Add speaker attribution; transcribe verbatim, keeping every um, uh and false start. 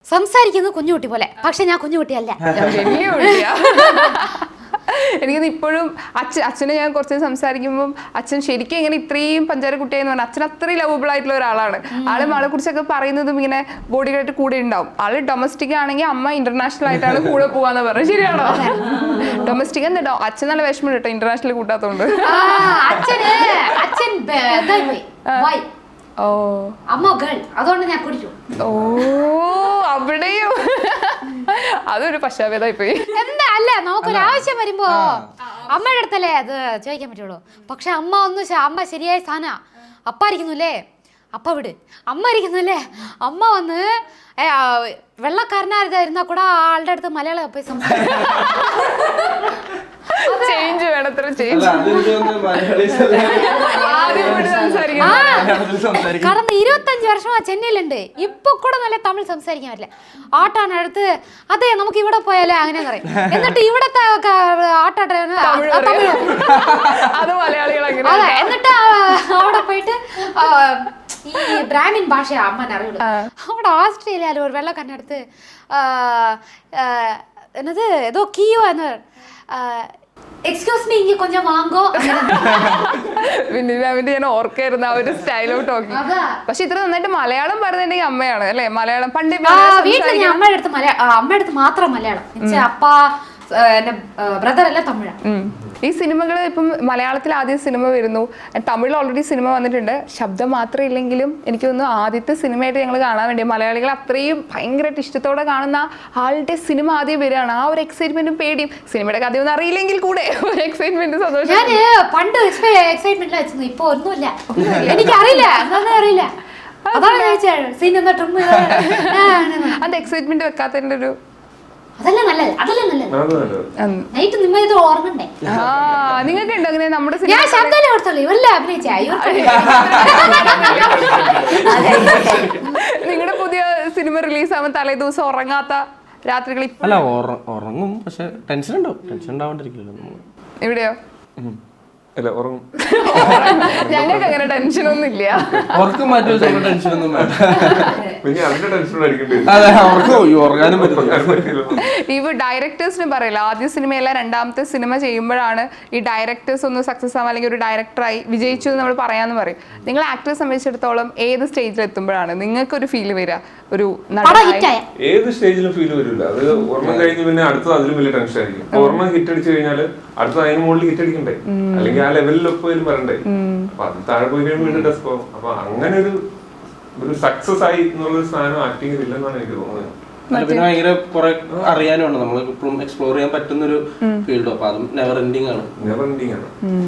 Speaker 1: സംസാരിക്കുന്നത് കുഞ്ഞുകുട്ടി പോലെ, പക്ഷെ ഞാൻ കുഞ്ഞുകുട്ടിയല്ല.
Speaker 2: എനിക്കത് ഇപ്പോഴും അച്ഛൻ അച്ഛനെ ഞാൻ കുറച്ച് സംസാരിക്കുമ്പോൾ അച്ഛൻ ശരിക്കും ഇങ്ങനെ ഇത്രയും പഞ്ചാര കുട്ടിയാന്ന് പറഞ്ഞാൽ അച്ഛൻ അത്രയും ലവബിൾ ആയിട്ടുള്ള ഒരാളാണ്. ആള് ആളെ കുറിച്ചൊക്കെ പറയുന്നതും ഇങ്ങനെ ബോഡി ആയിട്ട് കൂടെ ഉണ്ടാവും. ആള് ഡൊമസ്റ്റിക് ആണെങ്കിൽ അമ്മ ഇന്റർനാഷണൽ ആയിട്ടാണ് കൂടെ പോവാന്ന് പറഞ്ഞത്. ശരിയാണോ? ഡൊമസ്റ്റിക് എന്താ അച്ഛൻ നല്ല വിഷമം കേട്ടോ ഇന്റർനാഷണൽ കൂട്ടാത്തോണ്ട്. ഓ
Speaker 1: അമ്മ ഗേൾ, അതുകൊണ്ട് ഞാൻ കുടിച്ചു.
Speaker 2: ഓ അവിടെയും അതൊരു പശ്ചാത്തലമായി പോയി.
Speaker 1: എന്താ അല്ല, നമുക്കൊരു ആവശ്യം വരുമ്പോ അമ്മയുടെ അടുത്തല്ലേ അത് ചോദിക്കാൻ പറ്റുള്ളൂ. പക്ഷെ അമ്മ ഒന്ന് അമ്മ ശരിയായ സ്ഥാന അപ്പ ഇരിക്കുന്നുല്ലേ, അപ്പ വിട്. അമ്മ ഇരിക്കുന്നുല്ലേ, അമ്മ വന്ന് വെള്ളക്കാരനായിരുന്നാ കൂടെ ആളുടെ അടുത്ത് മലയാളം പോയി സംസാരിക്കും.
Speaker 2: ചേഞ്ച് വേണത്ര ചേഞ്ച്.
Speaker 1: കടന്ന് ഇരുപത്തഞ്ച് വർഷം ചെന്നൈയിലുണ്ട്, ഇപ്പൊ കൂടെ നല്ല തമിഴ് സംസാരിക്കാൻ പറ്റില്ല. ആട്ടാണ് അടുത്ത് അതെ നമുക്ക് ഇവിടെ പോയാലേ അങ്ങനെ പറയും. എന്നിട്ട് ഇവിടത്തെ ആട്ടാട്ട
Speaker 2: അത് മലയാളികൾ
Speaker 1: അതെ. എന്നിട്ട് അവിടെ പോയിട്ട് ഈ ബ്രാഹ്മിൻ ഭാഷയാ അമ്മനെ അറിയുള്ളൂ. അവിടെ ഓസ്ട്രേലിയയില് ഒരു വെള്ളക്കാരനടുത്ത് എന്നത് ഏതോ കിയോ എന്ന് എക്സ്ക്യൂസ് മീ ഇങ്ങ കൊഞ്ചം വാങ്ങോ.
Speaker 2: വിനിമാമിന്റെ ഞാൻ ഓർക്കായിരുന്നു ആ ഒരു സ്റ്റൈൽ ഓഫ് ടോക്കിംഗ്. പക്ഷെ ഇത്ര നന്നായിട്ട് മലയാളം പറയുന്നുണ്ടെങ്കിൽ അമ്മയാണ് അല്ലെ? മലയാളം പണ്ട്
Speaker 1: വീട്ടിൽ അമ്മയുടെ അടുത്ത് മലയാളം, അമ്മയുടെ അടുത്ത് മാത്രം മലയാളം. അപ്പ എന്റെ ബ്രദർ എല്ലാം തമിഴാണ്.
Speaker 2: ഈ സിനിമകൾ ഇപ്പം മലയാളത്തിൽ ആദ്യം സിനിമ വരുന്നു, തമിഴിൽ ഓൾറെഡി സിനിമ വന്നിട്ടുണ്ട്. ശബ്ദം മാത്രം ഇല്ലെങ്കിലും എനിക്ക് തോന്നുന്നു ആദ്യത്തെ സിനിമയായിട്ട് ഞങ്ങൾ കാണാൻ വേണ്ടി മലയാളികൾ അത്രയും ഭയങ്കരമായിട്ട് ഇഷ്ടത്തോടെ കാണുന്ന ആളുടെ സിനിമ ആദ്യം വരികയാണ്. ആ ഒരു എക്സൈറ്റ്മെന്റും പേടിയും, സിനിമയുടെ കഥയൊന്നും അറിയില്ലെങ്കിൽ കൂടെ ഒരു എക്സൈറ്റ്മെന്റ് സന്തോഷം.
Speaker 1: ഞാൻ പണ്ട് എക്സൈറ്റ്മെന്റ് വെച്ചു, ഇപ്പൊ ഒന്നുമില്ല, എനിക്കറിയില്ല എന്താണെന്ന് അറിയില്ല. അതാണ് ചോദിച്ചത് സിനിമ
Speaker 2: അത് എക്സൈറ്റ്മെന്റ് വെക്കാത്തതിന്റെ ഒരു
Speaker 1: അതല്ലേ നല്ലത്, അതല്ലേ നല്ലത്. നൈറ്റ് നിങ്ങൾ ഇത് ഓർമ്മണ്ടേ?
Speaker 2: നിങ്ങൾക്ക് ഉണ്ടോ അങ്ങനെ? നമ്മുടെ
Speaker 1: ഞാൻ ശബ്ദം കൊടുത്തോളൂ, ഇവരെല്ലാം അഭിനയിച്ച
Speaker 2: നിങ്ങളുടെ പുതിയ സിനിമ റിലീസ് ആവുമ്പോൾ തലേ ദിവസം ഉറങ്ങാത്ത രാത്രികളിൽ?
Speaker 3: അല്ല ഉറങ്ങും, പക്ഷെ ടെൻഷൻ ഉണ്ടാവും. ടെൻഷൻ ഉണ്ടാവാണ്ടിരിക്കില്ലല്ലോ.
Speaker 2: എവിടെയോ
Speaker 4: ഞങ്ങൾക്ക്
Speaker 2: അങ്ങനെ ടെൻഷൻ ഒന്നും ഇല്ല.
Speaker 3: ഉറക്കം മാറ്റി വെച്ചാൽ ടെൻഷൻ ഒന്നും വേണ്ട.
Speaker 2: ഇവ ഡയറക്ടേഴ്സിന് പറയില്ല, ആദ്യ സിനിമയല്ല രണ്ടാമത്തെ സിനിമ ചെയ്യുമ്പോഴാണ് ഈ ഡയറക്ടേഴ്സ് ഒന്ന് സക്സസ് ആവാൻ അല്ലെങ്കിൽ ഒരു ഡയറക്ടറായി വിജയിച്ചു എന്ന് നമ്മൾ പറയാന്ന് പറയും. നിങ്ങൾ ആക്ടറെ സംബന്ധിച്ചിടത്തോളം ഏത് സ്റ്റേജിൽ എത്തുമ്പോഴാണ് നിങ്ങൾക്ക് ഒരു ഫീൽ വരിക? ഒരു
Speaker 4: ഏത് സ്റ്റേജിലും ഫീൽ വരില്ല. അത് ഓർമ്മ കഴിഞ്ഞ് പിന്നെ അടുത്തത് അതിലും വലിയ ടെൻഷൻ ആയിരിക്കും. ഓർമ്മ ഹിറ്റ് അടിച്ചു കഴിഞ്ഞാൽ അടുത്ത അതിന് മുകളിൽ ഹിറ്റ് അടിക്കണ്ടേ, അല്ലെങ്കിൽ ആ ലെവലിലൊപ്പം പറയണ്ടേ. അപ്പൊ അത് താഴെ പോയി കഴിയുമ്പോൾ വീണ്ടും ടെസ്റ്റ് പോകും. അപ്പൊ അങ്ങനെ ഒരു ഒരു സക്സസ് ആയി എന്നുള്ളൊരു സാധനം ആക്ടിങ്ങിൽ ഇല്ലെന്നാണ് എനിക്ക് തോന്നുന്നത്.
Speaker 3: പിന്നെ ഭയങ്കര കുറെ അറിയാനുണ്ട്, നമ്മൾ ഇപ്പോഴും എക്സ്പ്ലോർ ചെയ്യാൻ പറ്റുന്ന ഒരു ഫീൽഡ്. അപ്പൊ അതും നെവർ എൻഡിങ് ആണ്.
Speaker 4: നെവർ എൻഡിങ് ആണ്.